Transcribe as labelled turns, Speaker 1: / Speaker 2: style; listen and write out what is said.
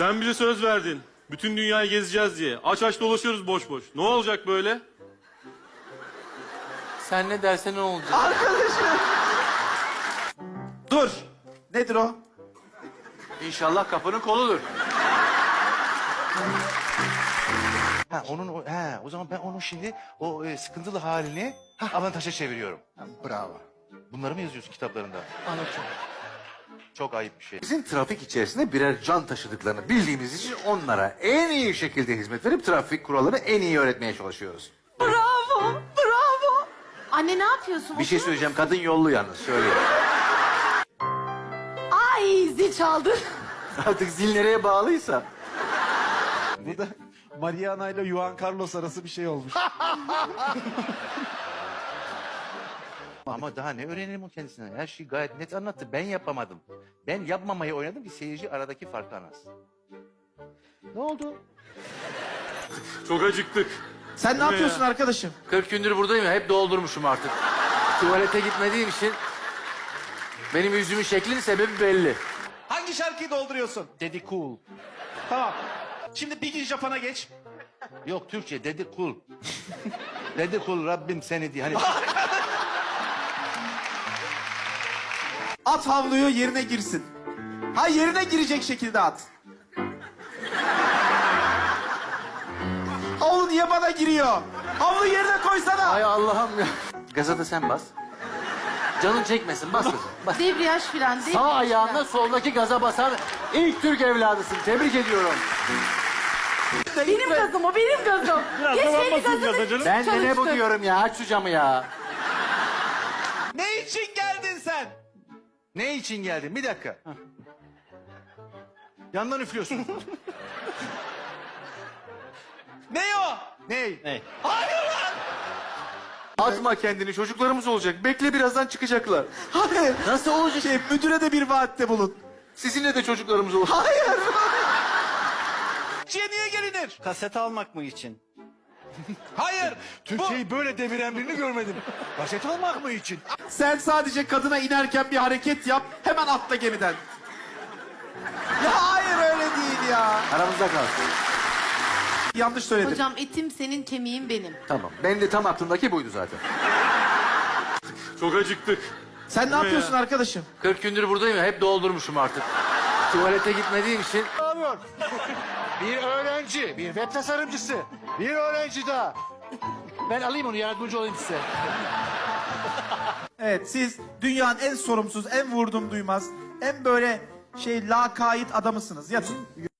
Speaker 1: Sen bize söz verdin. Bütün dünyayı gezeceğiz diye. Aç aç dolaşıyoruz boş boş. Ne olacak böyle?
Speaker 2: Sen ne dersen ne olacak?
Speaker 3: Arkadaşım. Dur. Nedir o?
Speaker 2: İnşallah kapının koludur.
Speaker 4: Ha o zaman ben onun şimdi o sıkıntılı halini avantaja çeviriyorum.
Speaker 3: Bravo.
Speaker 4: Bunları mı yazıyorsun kitaplarında?
Speaker 2: Anlatıyorum.
Speaker 4: Çok ayıp bir şey. Bizim trafik içerisinde birer can taşıdıklarını bildiğimiz için onlara en iyi şekilde hizmet verip trafik kurallarını en iyi öğretmeye çalışıyoruz.
Speaker 5: Bravo, bravo. Anne ne yapıyorsun?
Speaker 4: Bir şey söyleyeceğim, kadın yollu yalnız, söyleyeyim.
Speaker 5: Ay zil çaldı.
Speaker 4: Artık zil nereye bağlıysa.
Speaker 3: Burada Mariana ile Juan Carlos arası bir şey olmuş.
Speaker 4: Ama daha ne öğrenelim o kendisinden? Her şeyi gayet net anlattı. Ben yapamadım. Ben yapmamayı oynadım ki seyirci aradaki farkı anlasın. Ne oldu?
Speaker 1: Çok acıktık.
Speaker 3: Sen ne yapıyorsun arkadaşım?
Speaker 2: 40 gündür buradayım ya, hep doldurmuşum artık. Tuvalete gitmediğim için benim yüzümün şeklinin sebebi belli.
Speaker 3: Hangi şarkıyı dolduruyorsun?
Speaker 4: Dedi cool.
Speaker 3: Tamam. Şimdi bir gün Japon'a geç.
Speaker 4: Yok Türkçe dedi cool. Dedi cool Rabbim seni diye. Hani
Speaker 3: At havluyu yerine girsin. Ha yerine girecek şekilde at. Havlu niye bana giriyor? Havlu yerine koysana.
Speaker 2: Ay Allah'ım ya. Gaza da sen bas. Canın çekmesin, bas kızım. Bas.
Speaker 5: Debriyaj fren, debriyaj
Speaker 2: Sağ ayağınla
Speaker 5: fren.
Speaker 2: soldaki gaza basan ilk Türk evladısın. Tebrik ediyorum.
Speaker 5: Benim gazım o, benim gazım. Geç kendi gazını.
Speaker 2: Ben de ne bu
Speaker 5: Çalıştır.
Speaker 2: diyorum ya, aç şu camı ya.
Speaker 3: Ne için geldin sen?
Speaker 4: ne için geldin? Bir dakika. Yandan üflüyorsun.
Speaker 3: Ne o?
Speaker 4: ne?
Speaker 2: Atma kendini, çocuklarımız olacak. Bekle, birazdan çıkacaklar.
Speaker 3: Hayır.
Speaker 2: Nasıl olacak?
Speaker 3: Müdüre de bir vaatte bulun.
Speaker 2: Sizinle de çocuklarımız olacak.
Speaker 3: Hayır. Niye gelinir?
Speaker 6: Kaset almak mı için?
Speaker 3: Hayır.
Speaker 4: Türkçeyi böyle deviren birini görmedim. Kaset almak mı için?
Speaker 3: Sen sadece kadına inerken bir hareket yap. Hemen atla gemiden. Ya hayır öyle değil ya.
Speaker 2: Aramızda kalsın.
Speaker 3: Yanlış söyledim.
Speaker 5: Hocam etim senin, kemiğin benim.
Speaker 2: Tamam, benim de tam aklımdaki buydu zaten.
Speaker 1: Çok acıktık.
Speaker 3: Sen ne yapıyorsun arkadaşım?
Speaker 2: 40 gündür buradayım ya, hep doldurmuşum artık. Tuvalete gitmediğim için
Speaker 4: Bir öğrenci, bir web tasarımcısı, bir öğrenci daha. Ben alayım onu, yardımcı olayım size.
Speaker 3: Evet siz dünyanın en sorumsuz, en vurdum duymaz, en böyle lakayt adamısınız. Yatın.